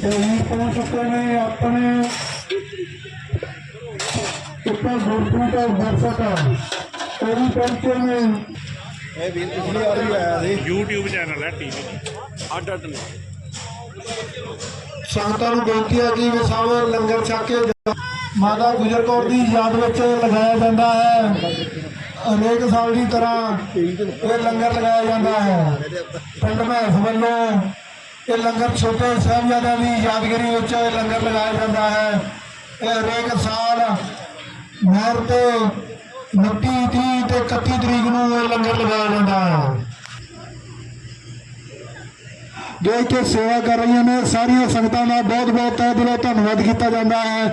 पहुंच चुके हैं अपने ऊपर गुरु का दर्शक वो भी पहुंचे हैं। पिछली बार भी आया थे। YouTube चैनल है टीवी अड अड ने संगतां नूं बेनती है कि वे सब लंगर छक के माता गुजर कौर की याद में लगाया जाता है। अनेक साल की तरह ये लंगर लगाया जाता है। पिंड महस वालों ये लंगर छोटे साहिबजादे की यादगिरी में लंगर लगाया जाता है। ये हरेक साल नहर ते 29, 30 ते 31 तरीक नूं ये लंगर लगाया जाता है। जो इतने सेवा कर रही ने सारिया संगतां का बहुत बहुत तहे दिलों धन्नवाद किया जाता है।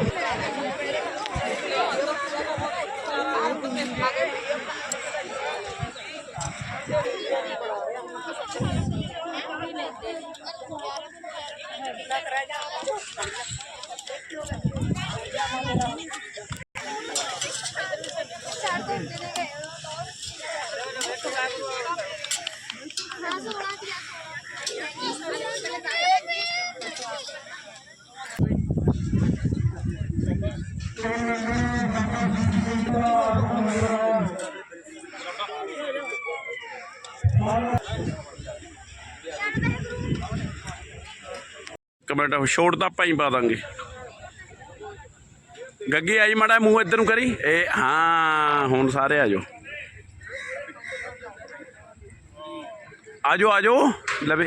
कमेंट छोड़ तो आप ही पा देंगे। गग्गी आई माड़ा मूँह इधर करी ए हाँ हुण सारे आ जाओ आ जाओ आ जाओ लवे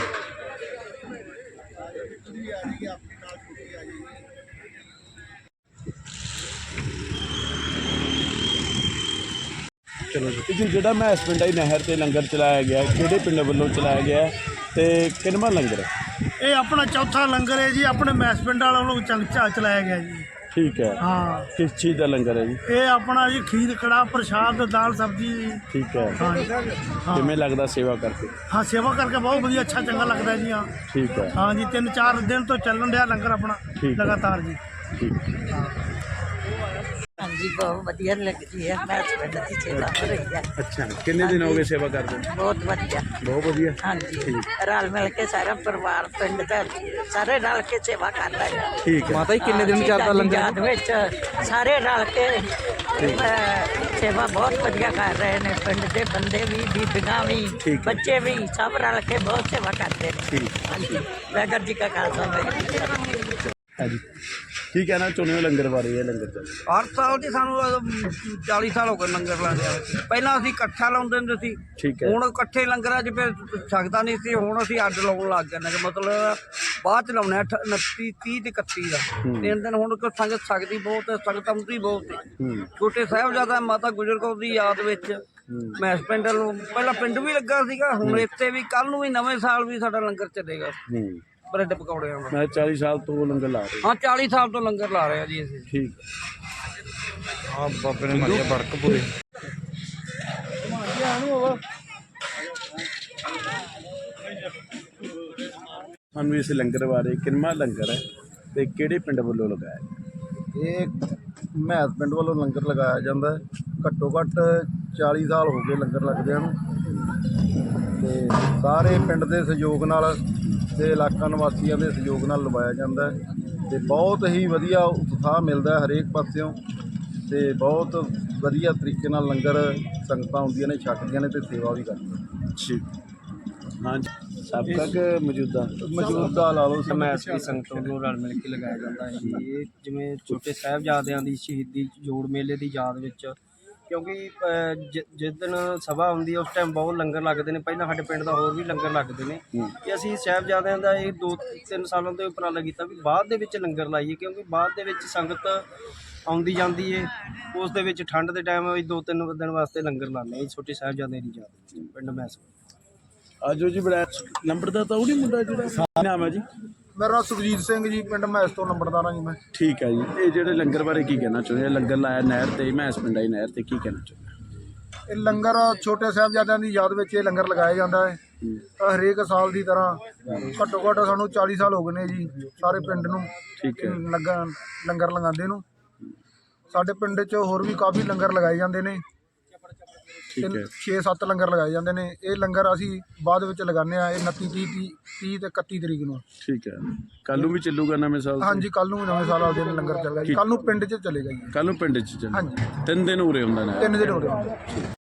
चलो जी जो महस पिंड आई नहर से लंगर चलाया गया किहड़े पिंड वालों चलाया गया तो किनवा लंगर है ये अपना चौथा लंगर है जी। अपने मैस पिंड वालों चंचा चलाया गया जी। ठीक है हाँ किस चीज़ का लंगर है जी ये अपना जी खीर कड़ा प्रसाद दाल सब्जी। ठीक है हाँ किमें लगता सेवा करके हाँ सेवा करके बहुत बढ़िया अच्छा चंगा लगता है जी। हाँ ठीक है हाँ जी 3-4 दिन तो चलन रहा लंगर अपना ठीक है। लगातार जी। ठीक हाँ जी बहुत वधिया लगती है। मैं पिंड की सेवा हो रही है। अच्छा कितने दिन हो गए सेवा करते बहुत वधिया। बहुत बढ़िया हाँ जी रल मिल के सारा परिवार पिंड का सारे रल के सेवा कर रहे हैं। ठीक है माता जी किन्ने दिन चलता लंगर याद विच सारे रल के सेवा बहुत वधिया कर रहे हैं। पिंड के बंदे भी बीबियां भी ठीक है। बच्चे भी सब रल के बहुत सेवा करते हैं। ठीक हाँ जी वाहिगुरू जी का खालसा वाहिगुरू जी की फतेह। है जी की कहना चाਹੁੰਦੇ ਹੋ ਲੰਗਰ ਬਾਰੇ ਇਹ ਲੰਗਰ ਚੱਲ ਹਰ ਸਾਲ ਦੀ ਸਾਨੂੰ 40 ਸਾਲ ਹੋ ਗਏ ਲੰਗਰ ਲਾਉਂਦੇ ਆ। ਪਹਿਲਾਂ ਅਸੀਂ ਇਕੱਠਾ ਲਾਉਂਦੇ ਹੁੰਦੇ ਸੀ। ਠੀਕ ਹੈ ਹੁਣ ਇਕੱਠੇ ਲੰਗਰਾਂ 'ਚ ਫਿਰ ਸਕਦਾ ਨਹੀਂ ਸੀ। ਹੁਣ ਅਸੀਂ ਅੱਡ ਲਾਉਣ ਲੱਗ ਗਏ ਨੇ ਕਿ ਮਤਲਬ ਬਾਅਦ 'ਚ ਲਾਉਣੇ 29, 30 ਤੇ 31 ਦਾ 3 ਦਿਨ। ਹੁਣ ਕੋਈ ਸੰਗਤ ਸਕਦੀ ਬਹੁਤ ਹੈ, ਸੰਗਤ ਆਉਂਦੀ ਬਹੁਤ ਹੈ। ਛੋਟੇ ਸਾਹਿਬਜ਼ਾਦਾ ਮਾਤਾ ਗੁਜਰ ਕੌਰ ਦੀ ਯਾਦ ਵਿੱਚ ਮੈਸ ਪਿੰਡ ਨੂੰ ਪਹਿਲਾਂ ਪਿੰਡ ਵੀ ਲੱਗਾ ਸੀਗਾ। ਹੁਣ ਇੱਥੇ ਵੀ ਕੱਲ ਨੂੰ ਵੀ ਨਵੇਂ ਸਾਲ ਵੀ ਸਾਡਾ ਲੰਗਰ ਚੱਲੇਗਾ ਬ੍ਰੈਡ ਪਕੌੜਿਆਂ ਦਾ। ਮੈਂ 40 ਸਾਲ ਤੋਂ ਲੰਗਰ ਲਾ ਰਿਹਾ ਹਾਂ 40 ਸਾਲ ਤੋਂ ਲੰਗਰ ਲਾ ਰਹੇ ਆ ਜੀ ਅਸੀਂ। ਠੀਕ हाँ बाबे ने मारिया बड़क पूरे ਸਾਨੂੰ ਇਸ ਲੰਗਰ ਬਾਰੇ ਕਿੰਨਾ ਲੰਗਰ ਹੈ ਤੇ ਕਿਹੜੇ ਪਿੰਡ ਵੱਲੋਂ ਲਗਾਇਆ ਇਹ ਮਹਿਸ ਪਿੰਡ ਵੱਲੋਂ ਲੰਗਰ ਲਗਾਇਆ ਜਾਂਦਾ ਹੈ। ਘੱਟੋ ਘੱਟ 40 ਸਾਲ ਹੋ ਗਏ ਲੰਗਰ ਲੱਗਦਿਆਂ ਨੂੰ ਤੇ ਸਾਰੇ ਪਿੰਡ ਦੇ ਸਹਿਯੋਗ ਨਾਲ ਤੇ ਇਲਾਕਾ ਨਿਵਾਸੀਆਂ ਦੇ ਸਹਿਯੋਗ ਨਾਲ ਲਵਾਇਆ ਜਾਂਦਾ ਹੈ ਤੇ ਬਹੁਤ ਹੀ ਵਧੀਆ ਉਤਸ਼ਾਹ ਮਿਲਦਾ ਹਰੇਕ ਪਾਸਿਓਂ ਤੇ ਬਹੁਤ ਵਧੀਆ ਤਰੀਕੇ ਨਾਲ ਲੰਗਰ ਸੰਗਤਾਂ ਆਉਂਦੀਆਂ ਨੇ ਛਕਦੀਆਂ ਨੇ ਤੇ ਸੇਵਾ ਵੀ ਕਰਦੀਆਂ। ਠੀਕ हाँ जी सबका के ਮੌਜੂਦਾ ਲਾ ਲਓ ਮੈਸ ਦੀ ਸੰਗਤ ਨੂੰ ਰਲ ਮਿਲ ਕੇ ਲਗਾਇਆ ਜਾਂਦਾ ਹੈ। ਇਹ ਜਿਵੇਂ ਛੋਟੇ ਸਾਹਿਬਜ਼ਾਦਿਆਂ ਦੀ ਸ਼ਹੀਦੀ ਜੋੜ ਮੇਲੇ ਦੀ ਯਾਦ ਵਿੱਚ ਕਿਉਂਕਿ ਜਿਸ ਦਿਨ ਸਭਾ ਹੁੰਦੀ ਹੈ ਉਸ ਟਾਈਮ ਬਹੁਤ ਲੰਗਰ ਲੱਗਦੇ ਨੇ। ਪਹਿਲਾਂ ਸਾਡੇ ਪਿੰਡ ਦਾ ਹੋਰ ਵੀ ਲੰਗਰ ਲੱਗਦੇ ਨੇ ਕਿ ਅਸੀਂ ਸਾਹਿਬਜ਼ਾਦਿਆਂ ਦਾ ਇਹ 2-3 ਸਾਲਾਂ ਤੋਂ ਉਪਰਾਲਾ ਕੀਤਾ ਵੀ ਬਾਅਦ ਦੇ ਵਿੱਚ ਲੰਗਰ ਲਾਈਏ ਕਿਉਂਕਿ ਬਾਅਦ ਦੇ ਵਿੱਚ ਸੰਗਤ ਆਉਂਦੀ ਜਾਂਦੀ ਹੈ। ਉਸ ਦੇ ਵਿੱਚ ਠੰਡ ਦੇ ਟਾਈਮ ਅਸੀਂ 2-3 ਦਿਨ ਵਾਸਤੇ ਲੰਗਰ ਲਾਉਂਦੇ ਹਾਂ ਛੋਟੇ ਸਾਹਿਬਜ਼ਾਦਿਆਂ ਦੀ ਯਾਦ ਵਿੱਚ ਪਿੰਡ ਮੈਸ। आजो जी बड़ा नंबरदार तो नहीं मुंडा जो नाम है जी ਮੇਰਾ ਨਾਮ ਸੁਖਜੀਤ ਸਿੰਘ ਜੀ ਪਿੰਡ ਮਹਿਸ ਤੋਂ ਨੰਬਰਦਾਰ ਹਾਂ ਜੀ ਮੈਂ। ठीक है जी ये जो लंगर बारे की कहना चाਹੁੰਦੇ लंगर लाया नहर ਤੇ महस पिंड आई नहर ਤੇ ਕੀ ਕਹਿਣਾ ਚਾਹੁੰਦੇ ਇਹ ਲੰਗਰ ਛੋਟੇ ਸਾਹਿਬਜ਼ਾਦਿਆਂ ਦੀ ਯਾਦ ਵਿੱਚ ਇਹ ਲੰਗਰ ਲਗਾਇਆ ਜਾਂਦਾ ਹੈ। ਹਰੇਕ ਸਾਲ ਦੀ ਤਰ੍ਹਾਂ ਘੱਟੋ ਘੱਟ ਸਾਨੂੰ 40 ਸਾਲ ਹੋ ਗਏ ਨੇ ਜੀ ਸਾਰੇ ਪਿੰਡ ਨੂੰ ਠੀਕ ਹੈ ਲੰਗਰ ਲਗਾਉਂਦੇ ਨੂੰ। ਸਾਡੇ ਪਿੰਡ 'ਚ ਹੋਰ ਵੀ ਕਾਫੀ ਲੰਗਰ ਲਗਾਏ ਜਾਂਦੇ ਨੇ ਠੀਕ ਹੈ 6-7 ਲੰਗਰ ਲਗਾਏ ਜਾਂਦੇ ਨੇ। ਇਹ ਲੰਗਰ ਅਸੀਂ ਬਾਅਦ ਵਿੱਚ ਲਗਾਉਂਦੇ ਆ। ਇਹ 29 30 ਤੇ 31 ਤਰੀਕ ਨੂੰ। ਠੀਕ ਹੈ, ਕੱਲ ਨੂੰ ਵੀ ਚੱਲੂਗਾ ਨਵੇਂ ਸਾਲ? ਹਾਂਜੀ, ਕੱਲ ਨੂੰ ਨਵੇਂ ਸਾਲ ਵਾਲੇ ਦਿਨ ਲੰਗਰ ਚੱਲੇਗਾ ਜੀ। ਕੱਲ ਨੂੰ ਪਿੰਡ 'ਚ ਚਲੇਗਾ ਜੀ। ਕੱਲ ਨੂੰ ਪਿੰਡ 'ਚ ਚੱਲੂ? ਹਾਂਜੀ, 3 ਦਿਨ ਉਰੇ ਹੁੰਦਾ ਨਾ? 3 ਦਿਨ ਹੋ ਰਹੇ।